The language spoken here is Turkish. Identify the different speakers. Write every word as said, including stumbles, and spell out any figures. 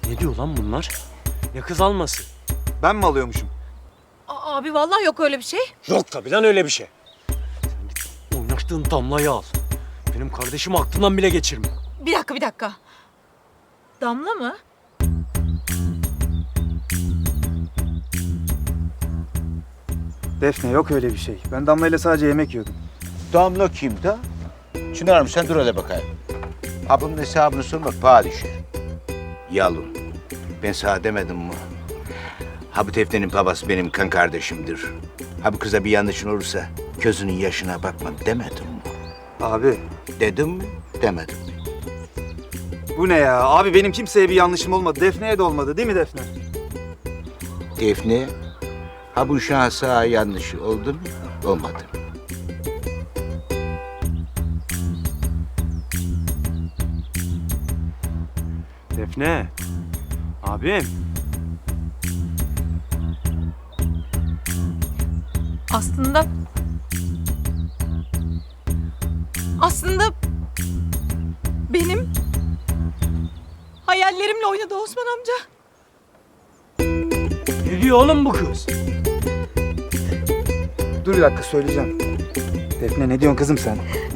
Speaker 1: Ne diyor lan bunlar? Ya kız alması?
Speaker 2: Ben mi alıyormuşum?
Speaker 3: A- abi vallahi yok öyle bir şey.
Speaker 1: Yok tabii lan öyle bir şey. Sen git oynaştığın Damla'yı al. Benim kardeşimi aklından bile geçirme.
Speaker 3: Bir dakika bir dakika. Damla mı?
Speaker 2: Defne yok öyle bir şey. Ben Damla ile sadece yemek yiyordum.
Speaker 4: Damla kim da? Çınar'ım sen dur hele bakayım. Abının hesabını sormak paha düşer. Yalın. Ben sana demedim mi? Ha bu Defne'nin babası benim kan kardeşimdir. Ha bu kıza bir yanlışın olursa gözünün yaşına bakma demedim mi?
Speaker 2: Abi
Speaker 4: Dedim mi? Demedim mi?
Speaker 2: bu ne ya? Abi benim kimseye bir yanlışım olmadı. Defne'ye de olmadı değil mi Defne?
Speaker 4: Defne, ha bu şansa yanlışı oldu mu? Olmadı mı?
Speaker 1: Defne. Abim.
Speaker 3: Aslında... Aslında... Benim... Hayallerimle oynadı Osman amca.
Speaker 1: Ne diyor oğlum bu kız?
Speaker 2: Dur bir dakika söyleyeceğim. Defne ne diyorsun kızım sen?